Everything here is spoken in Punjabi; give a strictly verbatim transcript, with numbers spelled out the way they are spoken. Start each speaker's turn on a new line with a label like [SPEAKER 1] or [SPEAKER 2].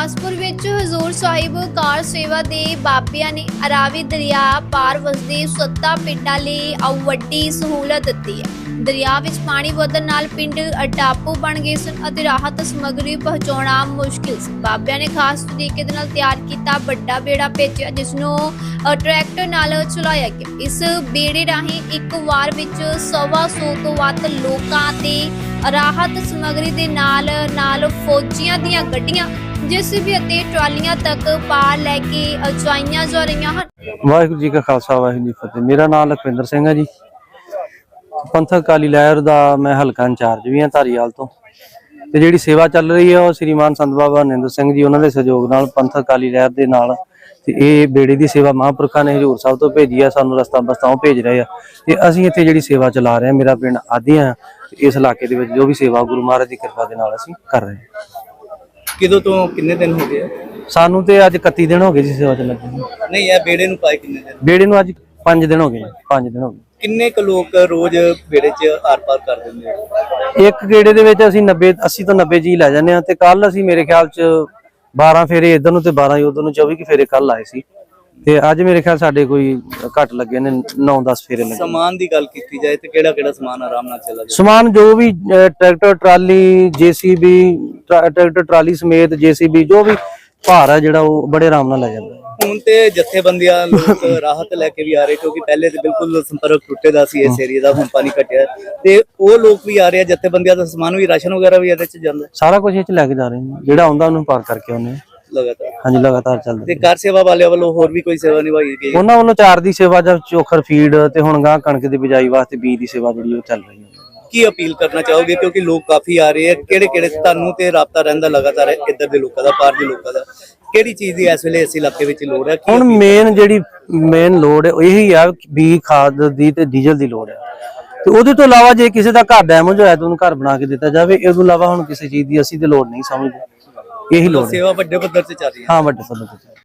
[SPEAKER 1] ਗੁਰਦਾਸਪੁਰ ਵਿੱਚ ਹਜ਼ੂਰ ਸਾਹਿਬ ਕਾਰ ਸੇਵਾ ਦੇ ਬਾਬਿਆਂ ਨੇ ਅਰਾਵੀ ਦਰਿਆ ਪਾਰ ਵਸਦੇ ਸੱਤਾਂ ਪਿੰਡਾਂ ਲਈ ਆਉ ਵੱਡੀ ਸਹੂਲਤ ਦਿੱਤੀ ਹੈ। ਦਰਿਆ ਵਿੱਚ ਪਾਣੀ ਵਧਣ ਨਾਲ ਪਿੰਡ ਅਟਾਪੂ ਬਣ ਗਏ ਸਨ ਅਤੇ ਰਾਹਤ ਸਮੱਗਰੀ ਪਹੁੰਚਾਉਣਾ ਮੁਸ਼ਕਿਲ ਸੀ। ਬਾਬਿਆਂ ਨੇ ਖਾਸ ਤਰੀਕੇ ਦੇ ਨਾਲ ਤਿਆਰ ਕੀਤਾ ਵੱਡਾ ਬੇੜਾ ਭੇਜਿਆ, ਜਿਸ ਨੂੰ ਟਰੈਕਟਰ ਨਾਲ ਚਲਾਇਆ ਗਿਆ। ਇਸ ਬੇੜੇ ਰਾਹੀਂ ਇੱਕ ਵਾਰ ਵਿੱਚ ਸਵਾ ਸੌ ਤੋਂ ਵੱਧ ਲੋਕਾਂ ਤੇ ਰਾਹਤ ਸਮੱਗਰੀ ਦੇ ਨਾਲ ਨਾਲ ਫੌਜੀਆਂ ਦੀਆਂ ਗੱਡੀਆਂ ਜੇਸੀਬੀ ਅਤੇ ਟਰਾਲੀਆਂ ਤੱਕ ਪਾਰ ਲੈ ਕੇ ਅਜਾਈਆਂ ਜਾ ਰਹੀਆਂ ਹਨ।
[SPEAKER 2] ਵਾਹਿਗੁਰੂ ਜੀ ਕਾ ਖਾਲਸਾ ਵਾਹਿਗੁਰੂ ਜੀ ਕੀ ਫਤਿਹ। ਮੇਰਾ ਨਾਮ ਲਖਵਿੰਦਰ ਸਿੰਘ ਹੈ ਜੀ। ਪੰਥਕ ਅਕਾਲੀ ਲਹਿਰ ਦਾ ਮੈਂ ਹਲਕਾ ਇੰਚਾਰਜ ਵੀ ਹਾਂ ਧਾਰੀਵਾਲ ਤੋਂ। ਤੇ ਜਿਹੜੀ ਸੇਵਾ ਚੱਲ ਰਹੀ ਹੈ ਉਹ ਸ੍ਰੀਮਾਨ ਸੰਤ ਬਾਬਾ ਨਿੰਦਰ ਸਿੰਘ ਜੀ ਉਹਨਾਂ ਦੇ ਸਹਿਯੋਗ ਨਾਲ ਪੰਥਕ ਅਕਾਲੀ ਲਹਿਰ ਦੇ ਨਾਲ ਤੇ ਇਹ ਬੇੜੇ ਦੀ ਸੇਵਾ ਮਹਾਂਪੁਰਖਾਂ ਨੇ ਹਜ਼ੂਰ ਸਾਹਿਬ ਤੋਂ ਭੇਜੀ ਆ। ਸਾਨੂੰ ਰਸਤਾ ਬਸਤਾਂ ਭੇਜ ਰਹੇ ਆ ਤੇ ਅਸੀਂ ਇੱਥੇ ਜਿਹੜੀ ਸੇਵਾ ਚਲਾ ਰਹੇ ਹਾਂ। ਮੇਰਾ ਪਿੰਡ ਆਦੀਆਂ, ਇਸ ਇਲਾਕੇ ਦੇ ਵਿੱਚ ਜੋ ਵੀ ਸੇਵਾ ਗੁਰੂ ਮਹਾਰਾਜ ਦੀ ਕਿਰਪਾ ਦੇ ਨਾਲ ਅਸੀਂ ਕਰ ਰਹੇ ਹਾਂ।
[SPEAKER 3] ਕਿਦੋਂ ਤੋਂ ਕਿੰਨੇ ਦਿਨ ਹੋ ਗਏ?
[SPEAKER 2] ਸਾਨੂੰ ਤੇ ਅੱਜ ਇਕੱਤੀ ਦਿਨ ਹੋ ਗਏ ਜੀ ਸੇਵਾ ਚ ਲੱਗੇ।
[SPEAKER 3] ਨਹੀਂ, ਇਹ ਬੇੜੇ ਨੂੰ ਪਾਏ ਕਿੰਨੇ ਦਿਨ?
[SPEAKER 2] ਬੇੜੇ ਨੂੰ ਅੱਜ ਪੰਜ ਦਿਨ ਹੋ ਗਏ। ਪੰਜ ਦਿਨ ਹੋ ਗਏ।
[SPEAKER 3] ਕਿੰਨੇ ਕੁ ਲੋਕ ਰੋਜ਼ ਬੇੜੇ 'ਚ ਆਰ ਪਾਰ ਕਰ ਦਿੰਦੇ ਆ?
[SPEAKER 2] ਇੱਕ ਗੇੜੇ ਦੇ ਵਿੱਚ ਅਸੀਂ ਨੱਬੇ ਅੱਸੀ ਤੋਂ ਨੱਬੇ ਜੀ ਲੈ ਜਾਂਦੇ ਆ। ਤੇ ਕੱਲ ਅਸੀਂ ਮੇਰੇ ਖਿਆਲ ਚ ਬਾਰਾਂ ਫੇਰੇ ਇੱਧਰ ਨੂੰ ਤੇ ਬਾਰਾਂ ਹੀ ਉਧਰ ਨੂੰ, ਚੌਵੀ ਕਿ ਫੇਰੇ ਕੱਲ ਆਏ ਸੀ। ਤੇ ਅੱਜ ਮੇਰੇ ਖਿਆਲ ਸਾਡੇ ਕੋਈ ਘੱਟ ਲੱਗੇ ਨੇ, ਨੌ ਦਸ ਫੇਰੇ ਲੱਗੇ।
[SPEAKER 3] ਸਮਾਨ ਦੀ ਗੱਲ ਕੀਤੀ ਜਾਏ ਤੇ ਕਿਹੜਾ ਕਿਹੜਾ ਸਮਾਨ ਆਰਾਮ ਨਾਲ ਚੱਲਾ ਜਾਂਦਾ?
[SPEAKER 2] ਸਮਾਨ ਜੋ ਵੀ tractor trolley JCB tractor trolley ਸਮੇਤ ਜੇਸੀਬੀ ਜੋ ਵੀ ਭਾਰ ਹੈ ਜਿਹੜਾ ਉਹ ਬੜੇ ਆਰਾਮ ਨਾਲ ਲੈ ਜਾਂਦਾ।
[SPEAKER 3] ਹੁਣ ਤੇ ਜਥੇਬੰਦੀਆਂ ਲੋਕ ਰਾਹਤ ਲੈ ਕੇ ਵੀ ਆ ਰਹੇ, ਕਿਉਂਕਿ ਪਹਿਲੇ ਤੇ ਬਿਲਕੁਲ ਸੰਪਰਕ ਟੁੱਟੇ ਦਾ ਸੀ ਇਸ ਏਰੀਆ ਦਾ, ਹੁਣ ਪਾਣੀ ਘਟਿਆ ਤੇ ਉਹ ਲੋਕ ਵੀ ਆ ਰਹੇ ਆ। ਜਥੇਬੰਦੀਆਂ ਦਾ ਸਮਾਨ ਵੀ, ਰਾਸ਼ਨ ਵਗੈਰਾ ਵੀ ਇਹਦੇ 'ਚ ਜਾਂਦਾ?
[SPEAKER 2] ਸਾਰਾ ਕੁਝ ਇਹ 'ਚ ਲੈ ਕੇ ਜਾ ਰਹੇ ਨੇ, ਜਿਹੜਾ ਆਉਂਦਾ ਉਹਨੂੰ ਪਾਰ ਕਰਕੇ ਆਉਂਦੇ
[SPEAKER 3] ਲਗਾਤਾਰ।
[SPEAKER 2] ਹਾਂਜੀ, ਲਗਾਤਾਰ ਚੱਲਦਾ।
[SPEAKER 3] ਤੇ ਕਾਰ ਸੇਵਾ ਵਾਲਿਆਂ ਵੱਲੋਂ ਹੋਰ ਵੀ ਕੋਈ ਸੇਵਾ ਨਿਭਾਈ ਗਈ?
[SPEAKER 2] ਉਹਨਾਂ ਵੱਲੋਂ ਚਾਰ ਦੀ ਸੇਵਾ ਜਾਂ ਚੋਖਰ ਫੀਡ ਤੇ ਹੁਣ ਗਾਂ ਕਣਕ ਦੀ ਬਿਜਾਈ ਵਾਸਤੇ ਬੀਜ ਦੀ ਸੇਵਾ ਜਿਹੜੀ ਉਹ ਚੱਲ ਰਹੀ ਹੈ।
[SPEAKER 3] ਕੀ ਅਪੀਲ ਕਰਨਾ ਚਾਹੋਗੇ, ਕਿਉਂਕਿ ਲੋਕ ਕਾਫੀ ਆ ਰਹੇ ਆ? ਕਿਹੜੇ ਕਿਹੜੇ ਤੁਹਾਨੂੰ ਤੇ ਰਾਬਤਾ ਰਹਿੰਦਾ ਲਗਾਤਾਰ ਇੱਧਰ ਦੇ ਲੋਕਾਂ ਦਾ, ਪਾਰ ਦੇ ਲੋਕਾਂ ਦਾ? ਕਿਹੜੀ ਚੀਜ਼ ਦੀ ਇਸ ਵੇਲੇ ਇਸ ਇਲਾਕੇ ਵਿੱਚ ਲੋੜ ਹੈ?
[SPEAKER 2] ਹੁਣ ਮੇਨ ਜਿਹੜੀ ਮੇਨ ਲੋੜ ਹੈ ਇਹੀ ਆ, ਬੀ ਖਾਦ ਦੀ ਤੇ ਡੀਜ਼ਲ ਦੀ ਲੋੜ ਹੈ। ਤੇ ਉਹਦੇ ਤੋਂ ਇਲਾਵਾ ਜੇ ਕਿਸੇ ਦਾ ਘਰ ਡੈਮੇਜ ਹੋਇਆ ਤਾਂ ਉਹਨੂੰ ਘਰ ਬਣਾ ਕੇ ਦਿੱਤਾ ਜਾਵੇ। ਇਸ ਤੋਂ ਇਲਾਵਾ ਹੁਣ ਕਿਸੇ ਚੀਜ਼ ਦੀ ਅਸੀਂ ਤੇ ਲੋੜ ਨਹੀਂ ਸਮਝਦੇ। ਇਹੀ ਲੋੜ ਹੈ।
[SPEAKER 3] ਸੇਵਾ ਵੱਡੇ ਪੱਧਰ ਤੇ ਚੱਲ ਰਹੀ ਹੈ।
[SPEAKER 2] ਹਾਂ, ਵੱਡੇ ਪੱਧਰ ਤੇ।